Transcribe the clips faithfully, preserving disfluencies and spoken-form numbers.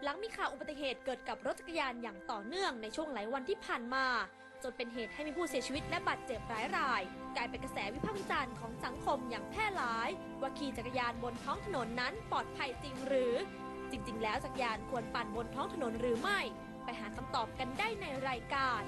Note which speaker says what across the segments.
Speaker 1: หลังมีข่าวอุบัติเหตุเกิดกับรถจักรยานอย่างต่อเนื่องในช่วงหลายวันที่ผ่านมาจนเป็นเหตุให้มีผู้เสียชีวิตและบาดเจ็บหลายรายกลายเป็นกระแสวิพากษ์วิจารณ์ของสังคมอย่างแพร่หลายว่าขี่จักรยานบนท้องถนนนั้นปลอดภัยจริงหรือจริงๆแล้วจักรยานควรปั่นบนท้องถนนหรือไม่ไปหาคำตอบกันได้ในรายการ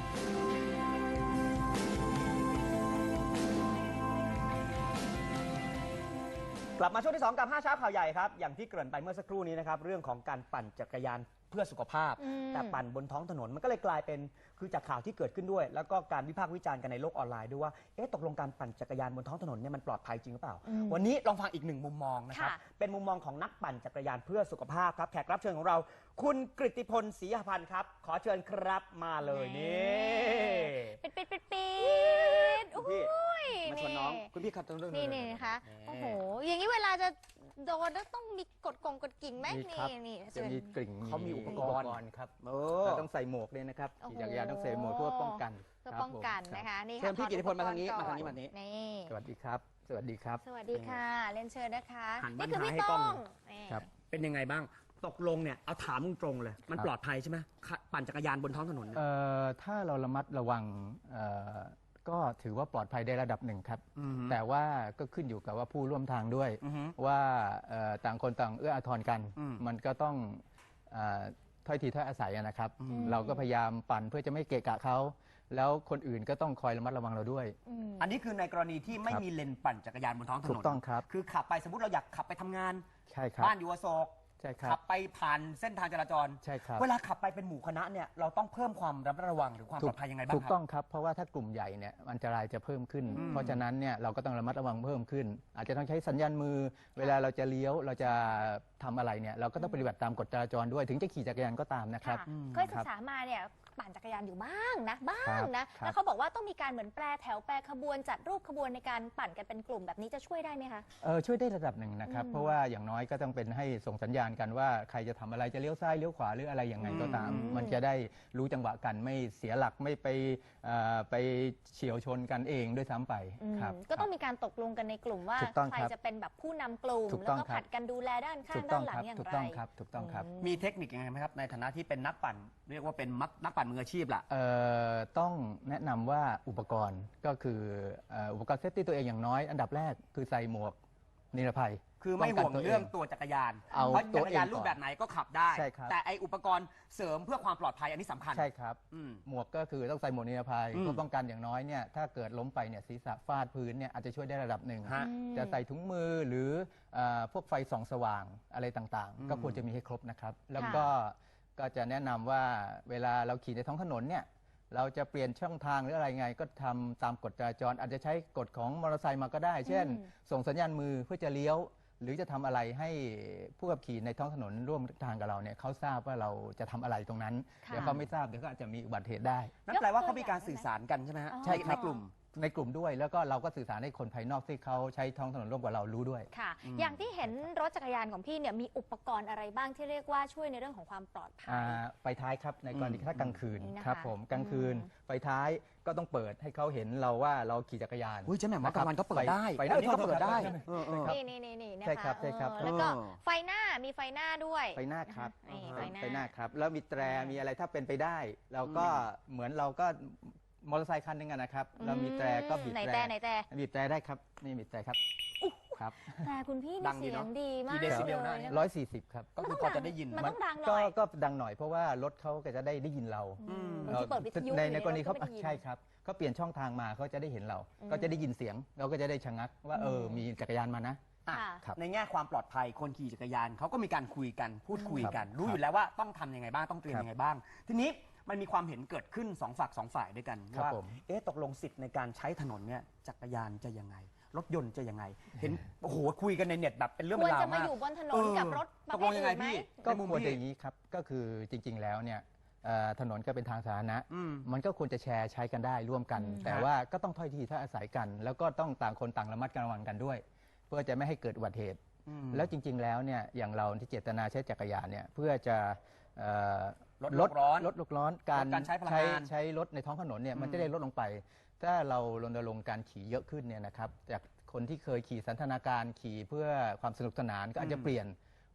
Speaker 2: กลับมาช่วงที่สองกับห้าเช้าข่าวใหญ่ครับอย่างที่เกริ่นไปเมื่อสักครู่นี้นะครับเรื่องของการปั่นจักรยานเพื่อสุขภาพแต่ปั่นบนท้องถนนมันก็เลยกลายเป็นคือจากข่าวที่เกิดขึ้นด้วยแล้วก็การวิพากษ์วิจารณ์กันในโลกออนไลน์ด้วยว่าเอ๊ะตกลงการปั่นจักรยานบนท้องถนนเนี่ยมันปลอดภัยจริงหรือเปล่าวันนี้ลองฟังอีกหนึ่งมุมมองนะครับเป็นมุมมองของนักปั่นจักรยานเพื่อสุขภาพครับแขกรับเชิญของเราคุณกฤติพลศรีหพันธ์ครับขอเชิญครับมาเลยนี่
Speaker 3: ปิดปิดปิดปิดโอ้ย
Speaker 2: มาชวนน้องคุณพี่ครับตรงนี้
Speaker 3: นี่นี่นะคะโอ้โหอย่างนี้เวลาจะโดนต้องมีกดกงกดกิ่งไหมนี่นี่
Speaker 4: จะมีกลิ่ง
Speaker 2: เขามีอุปกรณ์
Speaker 4: ครับเราต้องใส่หมวกเลยนะครับขี่จักรยานต้องใส่หมวกเพื่อป้องกัน
Speaker 3: เพื่อป้องกันนะคะนี่
Speaker 2: ค่ะเชิญพี่กฤติพลมาทางนี้มาทางนี้มานี้
Speaker 3: นี่
Speaker 4: สวัสดีครับสวัสดีครับ
Speaker 3: สวัสดีค่ะเรียนเชิญนะคะ
Speaker 2: นี่คือพี่ต้องครับเป็นยังไงบ้างตกลงเนี่ยเอาถามตรงเลยมันปลอดภัยใช่ไหมปั่นจักรยานบนท้องถนน
Speaker 4: เอ่อถ้าเราระมัดระวังเอ่อก็ถือว่าปลอดภัยได้ระดับหนึ่งครับแต่ว่าก็ขึ้นอยู่กับว่าผู้ร่วมทางด้วยว่าต่างคนต่างเอื้ออาทรกันมันก็ต้องถ้อยทีถ้อยอาศัยนะครับเราก็พยายามปั่นเพื่อจะไม่เกะกะเขาแล้วคนอื่นก็ต้องคอยระมัดระวังเราด้วย
Speaker 2: อันนี้คือในกรณีที่ไม่มีเลนปั่นจักรยานบนท้องถนน
Speaker 4: ถูกต้องครับ
Speaker 2: คือขับไปสมมติเราอยากขับไปทำงาน
Speaker 4: ใช่ครับ
Speaker 2: บ้านอยู่อโศกขับไปผ่านเส้นทางจราจร
Speaker 4: ใช่ครับ
Speaker 2: เวลาขับไปเป็นหมู่คณะเนี่ยเราต้องเพิ่มความระมัดระวังหรือความปลอดภัยยังไงบ้างครับ
Speaker 4: ถูกต้องครับเพราะว่าถ้ากลุ่มใหญ่เนี่ยอันตรายจะเพิ่มขึ้นเพราะฉะนั้นเนี่ยเราก็ต้องระมัดระวังเพิ่มขึ้นอาจจะต้องใช้สัญญาณมือเวลาเราจะเลี้ยวเราจะทำอะไรเนี่ยเราก็ต้องปฏิบัติตามกฎจราจรด้วยถึงจะขี่จักรยานก็ตามนะครับ
Speaker 3: เคยศึกษามาเนี่ยปั่นจักรยานอยู่บ้างนะบ้างนะแล้วเขาบอกว่าต้องมีการเหมือนแปรแถวแปรขบวนจัดรูปขบวนในการปั่นกันเป็นกลุ่มแบบนี้จะช่วยได้ไหมคะ
Speaker 4: เออช่วยได้ระดับหนึ่งนะครับเพราะว่าอย่างน้อยก็ต้องเป็นให้ส่งสัญญาณกันว่าใครจะทำอะไรจะเลี้ยวซ้ายเลี้ยวขวาหรืออะไรยังไงก็ตามมันจะได้รู้จังหวะกันไม่เสียหลักไม่ไปไปเฉี่ยวชนกันเองด้วยซ้ำไปครับ
Speaker 3: ก็ต้องมีการตกลงกันในกลุ่มว่าใครจะเป็นแบบผู้นำกลุ่มแล้วก็ผัดกันดูแลด้านข้างด้านหลังอย่างไร
Speaker 4: ถูกต้องครับถูกต้องครับ
Speaker 2: มีเทคนิคยังไงไหมครับในฐานะที่เป็นนักปั่นเรียกว่าเป็นนักปั่นมืออาชีพล่ะ
Speaker 4: ต้องแนะนำว่าอุปกรณ์ก็คืออุปกรณ์เซฟตี้ตัวเองอย่างน้อยอันดับแรกคือใส่หมวกนิรภัย
Speaker 2: คือไม่ห่วงเรื่องตัวจักรยานเพราะจักรยานรูปแบบไหนก็ขับได้แต่ไออุปกรณ์เสริมเพื่อความปลอดภัยอันนี้สำคัญ
Speaker 4: ใช่ครับหมวกก็คือต้องใส่หมวกนิรภัยเพื่อป้องกันอย่างน้อยเนี่ยถ้าเกิดล้มไปเนี่ยศีรษะฟาดพื้นเนี่ยอาจจะช่วยได้ระดับหนึ่งจะใส่ถุงมือหรือพวกไฟส่องสว่างอะไรต่างๆก็ควรจะมีให้ครบนะครับแล้วก็ก็จะแนะนำว่าเวลาเราขี่ในท้องถนนเนี่ยเราจะเปลี่ยนช่องทางหรืออะไรไงก็ทำตามกฎจราจรอาจจะใช้กฎของมอเตอร์ไซค์มาก็ได้เช่นส่งสัญญาณมือเพื่อจะเลี้ยวหรือจะทำอะไรให้ผู้ขับขี่ในท้องถนนร่วมทางกับเราเนี่ยเขาทราบว่าเราจะทำอะไรตรงนั้นเดี๋ยวเขาไม่ทราบเดี๋ยวก็อาจจะมีอุบัติเหตุได้
Speaker 2: นั่นแปลว่าเขามีการสื่อสารกันใช่ไหมฮะ
Speaker 4: ใช่
Speaker 2: ในกลุ่ม
Speaker 4: ในกลุ่มด้วยแล้วก็เราก็สื่อสารให้คนภายนอกที่เขาใช้ท้องถนนร่วมกับเรารู้ด้วย
Speaker 3: ค่ะอย่างที่เห็นรถจักรยานของพี่เนี่ยมีอุปกรณ์อะไรบ้างที่เรียกว่าช่วยในเรื่องของความปลอดภัย
Speaker 4: ไฟท้ายครับในกรณีถ้ากลางคืนครับผมกลางคืนไฟท้ายก็ต้องเปิดให้เขาเห็นเราว่าเราขี่จักรยาน
Speaker 2: อุ้ยใช่ไหมว่ากลางวันก็เปิดได้
Speaker 4: ไฟหน้าก็เปิดได้
Speaker 3: นี่นี่นี่นี่นะคะ
Speaker 4: ใช่ครับใช่ครับ
Speaker 3: แล้วก็ไฟหน้ามีไฟหน้าด้วย
Speaker 4: ไฟหน้าครับไฟหน้าครับแล้วมีแตรมีอะไรถ้าเป็นไปได้เราก็เหมือนเราก็มอเตอร์ไซค์คันหนึ่งนะครับเรามีแตรก็บีบแตร
Speaker 3: ไหนแตรไหนแตร
Speaker 4: บีบแตรได้ครับนี่บีบแตรครับ
Speaker 3: ครับแต่คุณพี่เสียงดีมาก
Speaker 2: เลย
Speaker 4: ร้อยสี่สิบครับ
Speaker 2: ก็คือพอจะได้ยิน
Speaker 3: มันต้องดังหน่อย
Speaker 4: ก็ดังหน่อยเพราะว่ารถเขาก็จะได้ได้ยินเราในในกรณีเขาใช่ครับเขาเปลี่ยนช่องทางมาเขาจะได้เห็นเราก็จะได้ยินเสียงเราก็จะได้ชะงักว่าเออมีจักรยานมานะ
Speaker 2: ในแง่ความปลอดภัยคนขี่จักรยานเขาก็มีการคุยกันพูดคุยกันรู้อยู่แล้วว่าต้องทำยังไงบ้างต้องเตรียมยังไงบ้างทีนี้มันมีความเห็นเกิดขึ้นสองฝักสองฝ่ายด้วยกันว่าเอ๊ะตกลงสิทธิ์ในการใช้ถนนเนี่ยจักรยานจะยังไงรถยนต์จะยังไงเห็นโอ้โหคุยกันในเน็ตแบบเป็นเรื่อง
Speaker 3: เป็น
Speaker 2: ราวมาก
Speaker 3: ควรจะมาอยู่บนถนนกับรถประเภทอื่นไหม
Speaker 4: ก็ควรจะอย่างนี้ครับก็คือจริงๆแล้วเนี่ยถนนก็เป็นทางสาธารณะมันก็ควรจะแชร์ใช้กันได้ร่วมกันแต่ว่าก็ต้องถ้อยทีถ้าอาศัยกันแล้วก็ต้องต่างคนต่างระมัดระวังกันด้วยเพื่อจะไม่ให้เกิดอุบัติเหตุแล้วจริงๆแล้วเนี่ยอย่างเราที่เจตนาใช้จักรยานเนี่ยเพื่อจะ
Speaker 2: ลดโลกร้อน
Speaker 4: ลดโลกร้อนการใช้ใช้รถในท้องถนนเนี่ยมันจะได้ลดลงไปถ้าเรารณรงค์การขี่เยอะขึ้นเนี่ยนะครับจากคนที่เคยขี่สันทนาการขี่เพื่อความสนุกสนานก็อาจจะเปลี่ยน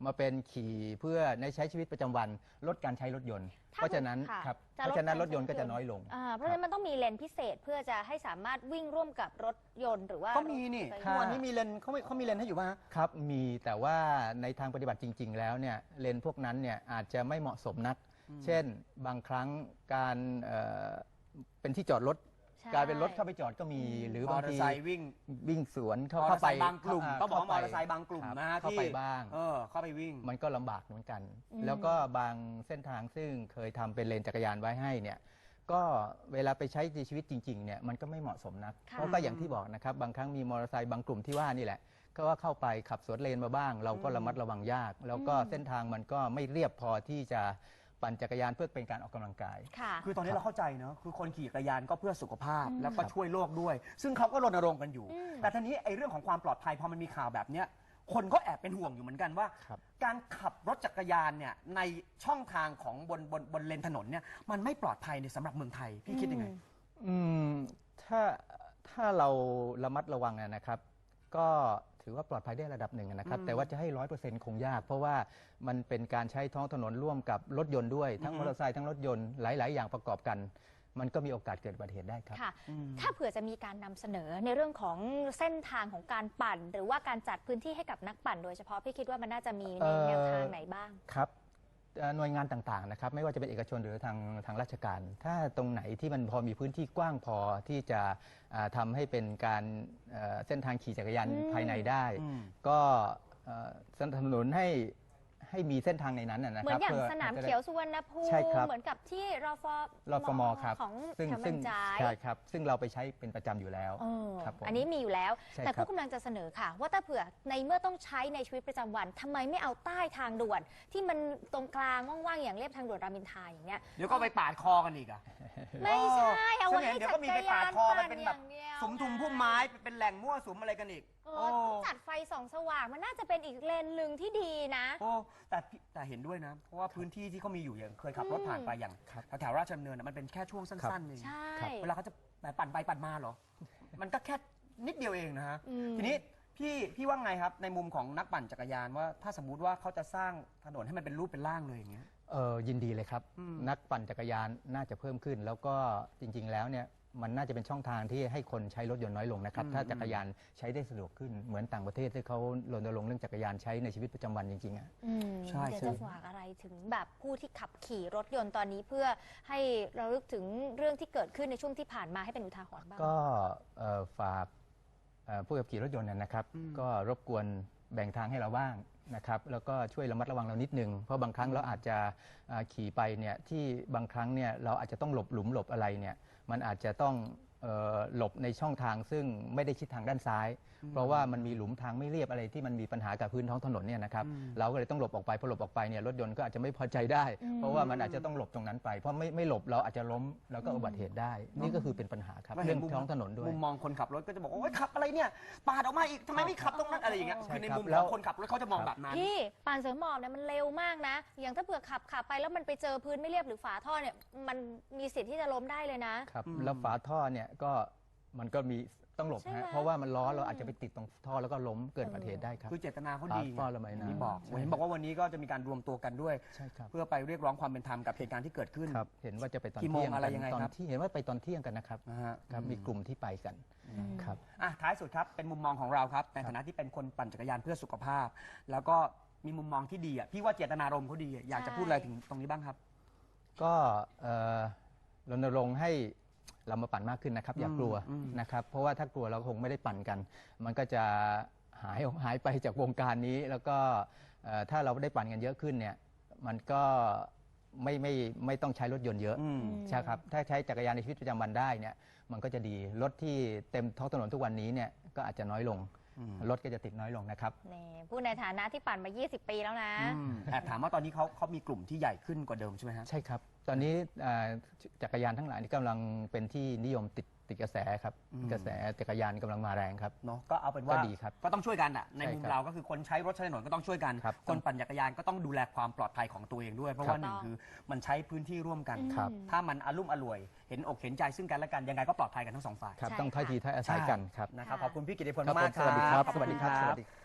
Speaker 4: มาเป็นขี่เพื่อในใช้ชีวิตประจำวันลดการใช้รถยนต์
Speaker 3: ถ้า
Speaker 4: เพราะฉะนั้น
Speaker 3: ค่ะ
Speaker 4: ครับ
Speaker 3: จะ
Speaker 4: เพ
Speaker 3: ลด
Speaker 4: ราะฉะนั้น
Speaker 3: การ
Speaker 4: รถยนต์ก็
Speaker 3: ใช้
Speaker 4: จะน้อยลง
Speaker 3: อ่าเพราะฉะนั้นมันต้องมีเลนพิเศษเพื่อจะให้สามารถวิ่งร่วมกับรถยนต์หรือว่า
Speaker 2: ก็มีนี่
Speaker 3: รถ
Speaker 2: ทุกวันนี้มีเลนเขาไม่เขามีเลนให้อยู่ป่ะฮะ
Speaker 4: ครับมีแต่ว่าในทางปฏิบัติจริง ๆ แล้วเนี่ยเลนพวกนั้นเนี่ยอาจจะไม่เหมาะสมนัก เช่นบางครั้งการเอ่อเป็นที่จอดรถ
Speaker 3: ใช่
Speaker 4: กลายเป็นรถเข้าไปจอดก็มีหรือ
Speaker 2: ม
Speaker 4: บา
Speaker 2: อง เตอ
Speaker 4: ที
Speaker 2: ร์ไซค์วิ่ง
Speaker 4: วิ่งสวนเข้าม
Speaker 2: อเตอ
Speaker 4: เข้า
Speaker 2: ร์ไซ
Speaker 4: ไป
Speaker 2: ค์บางกลุ่มต้องบอกว่ามอ
Speaker 4: ข้า
Speaker 2: เตอร์ไซค์บางกลุ่มนะฮะ
Speaker 4: เข้า
Speaker 2: ที่
Speaker 4: ไปบ้าง
Speaker 2: เออเข้าไปวิ่ง
Speaker 4: มันก็ลำบากเหมือนกัน
Speaker 3: อืม
Speaker 4: แล้วก็บางเส้นทางซึ่งเคยทำเป็นเลนจักรยานไว้ให้เนี่ยก็เวลาไปใช้ในชีวิตจริงๆเนี่ยมันก็ไม่เหมาะสมนัก
Speaker 3: ค่ะ
Speaker 4: เพราะก็อย่างที่บอกนะครับบางครั้งมีมอเตอร์ไซค์บางกลุ่มที่ว่านี่แหละก็ว่าเข้าไปขับสวนเลนมาบ้าง เราก็ระมัดระวังยาก แล้วก็เส้นทางมันก็ไม่เรียบพอที่จะปั่นจักรยานเพื่อเป็นการออกกำลังกาย
Speaker 3: ค่ะ
Speaker 2: คือตอนนี้เราเข้าใจเนอะคือคนขี่จักรยานก็เพื่อสุขภาพ
Speaker 3: อืม
Speaker 2: แล้วก็ช่วยโลกด้วย ซึ่งเขาก็รณรงค์กันอยู่
Speaker 3: อืม
Speaker 2: แต่ทีนี้ไอ้เรื่องของความปลอดภัยพอมันมีข่าวแบบเนี้ยคนก็แอบเป็นห่วงอยู่เหมือนกันว่า
Speaker 4: ครับ
Speaker 2: การขับรถจักรยานเนี่ยในช่องทางของบนบนบนเลนถนนเนี่ยมันไม่ปลอดภัยในสำหรับเมืองไทยพี่คิดยังไง
Speaker 4: อืมถ้าถ้าเราระมัดระวังอะนะครับ ก็ถือว่าปลอดภัยได้ระดับหนึ่งนะครับ
Speaker 2: อืม
Speaker 4: แต่ว่าจะให้ร้อยเปอร์เซ็นต์คงยาก เพราะว่ามันเป็นการใช้ท้องถนนร่วมกับรถยนต์ด้วย ทั้ง
Speaker 2: อือ
Speaker 4: ม
Speaker 2: ฮึ
Speaker 4: อเตอร์ไซค์ทั้งรถยนต์หลาย ๆ อย่างประกอบกัน มันก็มีโอกาสเกิดอุบัติเหตุได้ครับ
Speaker 3: ค่ะ
Speaker 2: อืม
Speaker 3: ถ้าเผื่อจะมีการนำเสนอในเรื่องของเส้นทางของการปั่น หรือว่าการจัดพื้นที่ให้กับนักปั่นโดยเฉพาะพี่คิดว่ามันน่าจะมี
Speaker 4: เอ่
Speaker 3: ใน
Speaker 4: อ
Speaker 3: แนวทางไหนบ้าง
Speaker 4: ครับเอ่อหน่วยงานต่างๆนะครับไม่ว่าจะเป็นเอกชนหรือทางทางราชการ ถ้าตรงไหนที่มันพอมีพื้นที่กว้างพอที่จะอ่าทำให้เป็นการเอ่อเส้นทางขี่จักรยาน
Speaker 3: อืม
Speaker 4: ภายในได้
Speaker 2: อืม
Speaker 4: ก็เอ่อสนับสนุนให้ให้มีเส้นทางในนั้นนะนะ
Speaker 3: เหมื
Speaker 4: ค
Speaker 3: อ
Speaker 4: รั
Speaker 3: นอย่าง
Speaker 4: พื่
Speaker 3: สนาม
Speaker 4: จะได้
Speaker 3: เขียวสุวรรณภูมิ
Speaker 4: ใช่ครับ
Speaker 3: เหมือนกับที่รฟ
Speaker 4: รฟมครับ
Speaker 3: ของ
Speaker 4: ซึ่ง
Speaker 3: แถว
Speaker 4: ซึ่
Speaker 3: เมื
Speaker 4: ง
Speaker 3: องจ่าย
Speaker 4: ใช่ครับ ซึ่งเราไปใช้เป็นประจำอยู่แล้ว
Speaker 3: เออ
Speaker 4: ครับผม
Speaker 3: อันนี้มีอยู่แล้ว
Speaker 4: ใช่
Speaker 3: แต่
Speaker 4: ครั
Speaker 3: ผู้
Speaker 4: บ
Speaker 3: กำลังจะเสนอค่ะ ว่าถ้าเผื่อในเมื่อต้องใช้ในชีวิตประจำวันทำไมไม่เอาใต้ทางด่วน ที่มันตรงกลางว่างๆอย่างเรียบทางด่วนรามอินทราอย่างเงี้ย
Speaker 2: เดี๋ยวก็ไปปาดคอกันอีกอะ
Speaker 3: ไม่ใช่เอาไว้
Speaker 2: ฉันเห็
Speaker 3: ให้
Speaker 2: นเดี๋ยว
Speaker 3: จั
Speaker 2: ก็
Speaker 3: ก
Speaker 2: มี
Speaker 3: ร
Speaker 2: ไปปาย
Speaker 3: า
Speaker 2: ด
Speaker 3: น
Speaker 2: คอกั
Speaker 3: ปั่
Speaker 2: น
Speaker 3: น
Speaker 2: เป็น
Speaker 3: อ
Speaker 2: แบบ
Speaker 3: ย่างเดียว
Speaker 2: สุมทุมพุ่มไม้เป็นแหล่งมั่วสุมอะไรกันอีก
Speaker 3: เออจัดไฟส่องสว่างมันน่าจะเป็นอีกเลนหนึ่งที่ดีนะ
Speaker 2: โอ้แต่พี่แต่เห็นด้วยนะ เพราะว่าพื้นที่ที่เขามีอยู่อย่างเคยขับรถผ่านไปอย่างแถวๆราชดำเนินนะมันเป็นแค่ช่วงสั้นๆเอง
Speaker 3: ใช่
Speaker 2: เวลาเขาจะแหมปั่นไปปั่นมาเหรอ มันก็แค่นิดเดียวเองนะฮะ
Speaker 3: อืม
Speaker 2: ทีนี้พี่พี่ว่าไงครับในมุมของนักปั่นจักรยานว่าถ้าสมมุติว่าเขาจะสร้างถนนให้มันเป็นรูปเป็นร่างเลยอย่างเงี้ย
Speaker 4: เออยินดีเลยครับ
Speaker 2: อืม
Speaker 4: นักปั่นจักรยานน่าจะเพิ่มขึ้น แล้วก็จริง ๆ แล้วเนี่ยมันน่าจะเป็นช่องทางที่ให้คนใช้รถยนต์น้อยลงนะครับ
Speaker 2: อืม
Speaker 4: ถ้าจักรยานใช้ได้สะดวกขึ้นเหมือนต่างประเทศที่เขารณรงค์เรื่องจักรยานใช้ในชีวิตประจำวันจริงๆอะ
Speaker 3: อืม
Speaker 2: ใช่
Speaker 3: เดี๋ยว
Speaker 2: ใช่
Speaker 3: จะฝากอะไรถึงแบบผู้ที่ขับขี่รถยนต์ตอนนี้เพื่อให้เราลึกถึงเรื่องที่เกิดขึ้นในช่วงที่ผ่านมาให้เป็นอุทาหรณ์บ้าง
Speaker 4: ก็เอ่อฝากเอ่อผู้ขับขี่รถยนต์นะนะครับ
Speaker 2: อืม
Speaker 4: ก็รบกวนแบ่งทางให้เราบ้างนะครับ แล้วก็ช่วยระมัดระวังเรานิดนึง เพราะบางครั้งเราอาจจะอ่าขี่ไปเนี่ยที่บางครั้งเนี่ยเราอาจจะต้องหลบหลุมหลบอะไรเนี่ยมันอาจจะต้องเอ่อหลบในช่องทางซึ่งไม่ได้ชิดทางด้านซ้าย เพราะว่ามันมีหลุมทางไม่เรียบอะไรที่มันมีปัญหากับพื้นท้องถนนเนี่ยนะครับ
Speaker 2: อืม
Speaker 4: เราก็เลยต้องหลบออกไปพอหลบออกไปเนี่ยรถยนต์ก็อาจจะไม่พอใจได้
Speaker 3: อืม
Speaker 4: เพราะว่ามันอาจจะต้องหลบตรงนั้นไป เพราะไม่ไม่หลบเราอาจจะล้มแล้วก็อุบัติเหตุได้ นี่ก็คือเป็นปัญหาครับ
Speaker 2: ก็
Speaker 4: เรื่
Speaker 2: เห็
Speaker 4: อน ง
Speaker 2: มุม
Speaker 4: ท้องถนนด้วย
Speaker 2: มุมมองคนขับรถก็จะบอกว่าโอ๊ยขับอะไรเนี่ยปาดออกมาอีกทำไมไม่ขับตรงนั้นอะไรอย่างเงี้ย
Speaker 4: ใช่
Speaker 2: คือใน
Speaker 4: ครับ
Speaker 2: มุม
Speaker 4: แล้
Speaker 2: ข
Speaker 4: ว
Speaker 2: องคนขับรถเขาจะมองแบบนั้น
Speaker 3: พี่ปานเสริมหมอบเนี่ยมันเร็วมากนะ อย่างถ้าเผื่อขับขับไปแล้วมันไปเจอพื้นไม่เรียบหรือฝาท่อเนี่ยมันมีสิทธิ์ที่จะล้มได้เลยนะ
Speaker 4: ครับ
Speaker 2: อืม
Speaker 4: แล้วฝาท่อเนี่ยก็มันก็มีต้องหลบ
Speaker 3: ใช่ไหม
Speaker 4: ฮะเพราะว่ามันล้อเราอาจจะไปติดตรงท่อแล้วก็ล้มเกิดอุบัติเหตุได้ครับ
Speaker 2: คือเจตนาเขา
Speaker 4: ปา
Speaker 2: ดี
Speaker 4: ดท่อระบายน้ำ
Speaker 2: ที่บอก
Speaker 4: ใช่
Speaker 2: เห็นบอกว่าวันนี้ก็จะมีการรวมตัวกันด้วย
Speaker 4: ใช่ครับ
Speaker 2: เพื่อไปเรียกร้องความเป็นธรรมกับเหตุการณ์ที่เกิดขึ้น
Speaker 4: ครับเห็นว่าจะไปตอน
Speaker 2: กี่โมง
Speaker 4: เที่ยง
Speaker 2: อะไร
Speaker 4: กัน
Speaker 2: ยังไง
Speaker 4: ตอน
Speaker 2: ครับ
Speaker 4: ที่เห็นว่าไปตอนเที่ยงกันนะครับ
Speaker 2: นะฮะ
Speaker 4: ครับมีกลุ่มที่ไปกันครับ
Speaker 2: อ่ะท้ายสุดครับเป็นมุมมองของเราครับในฐานะที่เป็นคนปั่นจักรยานเพื่อสุขภาพ แล้วก็มีมุมมองที่ดีอ่ะพี่ว่าเจตนารมณ์เขาดีอะอยากจะพูดอะไรถึงตรงนี้บ้างครับ
Speaker 4: ก็เอ่อรณรงค์ให้เรามาปั่นมากขึ้นนะครับ อย่ากลัว
Speaker 2: อืม
Speaker 4: นะครับเพราะว่าถ้ากลัวเราคงไม่ได้ปั่นกัน มันก็จะหายหายไปจากวงการนี้ แล้วก็เอ่อถ้าเราได้ปั่นกันเยอะขึ้นเนี่ยมันก็ไม่ไม่ไม่ต้องใช้รถยนต์เยอะ
Speaker 2: อืม
Speaker 4: ใช่ครับถ้าใช้จักรยานในชีวิตประจำวันได้เนี่ยมันก็จะดีรถที่เต็มท้องถนนทุกวันนี้เนี่ยก็อาจจะน้อยลง
Speaker 2: อืม
Speaker 4: รถก็จะติดน้อยลงนะครับ
Speaker 3: นี่พูดในฐานะที่ปั่นมา ยี่สิบ ปีแล้วนะ
Speaker 2: อืมแอบถามว่าตอนนี้เขาเขามีกลุ่มที่ใหญ่ขึ้นกว่าเดิมใช่ไหมฮะ
Speaker 4: ใช่ครับ ตอนนี้อ่าจักรยานทั้งหลายนี่กำลังเป็นที่นิยมติดติดกระแสครับ
Speaker 2: อืม
Speaker 4: กระแสจักรยานกำลังมาแรงครับ
Speaker 2: เนาะก็เอาเป็นว่า
Speaker 4: ก็ดีครับ
Speaker 2: ก็ต้องช่วยกันอ่ะใน
Speaker 4: ใช่
Speaker 2: มุม
Speaker 4: ครับ
Speaker 2: เราก็คือคนใช้รถใช้ถนนก็ต้องช่วยกัน
Speaker 4: ครับ
Speaker 2: คนปั่นจักรยานก็ต้องดูแลความปลอดภัยของตัวเองด้วย เพราะว่าหนึ่งคือมันใช้พื้นที่ร่วมกัน
Speaker 4: ครับ
Speaker 2: ถ้ามันอารุ่มอร่วย เห็นอกเห็นใจซึ่งกันและกันยังไงก็ปลอดภัยกันทั้งสองฝ่าย
Speaker 4: ครับ
Speaker 3: ใช่
Speaker 4: ต้องถ้อย
Speaker 3: ค่ะ
Speaker 4: ทีถ้อยอาศัยกันครับ
Speaker 2: นะครับ
Speaker 3: ค่ะ
Speaker 2: ขอบคุณพี่กิติพล
Speaker 4: ครับ
Speaker 2: มาก
Speaker 4: ผมสวัสดีครับ
Speaker 2: ขอ
Speaker 4: สวัสดีครับ
Speaker 2: ณ
Speaker 4: สวัสดี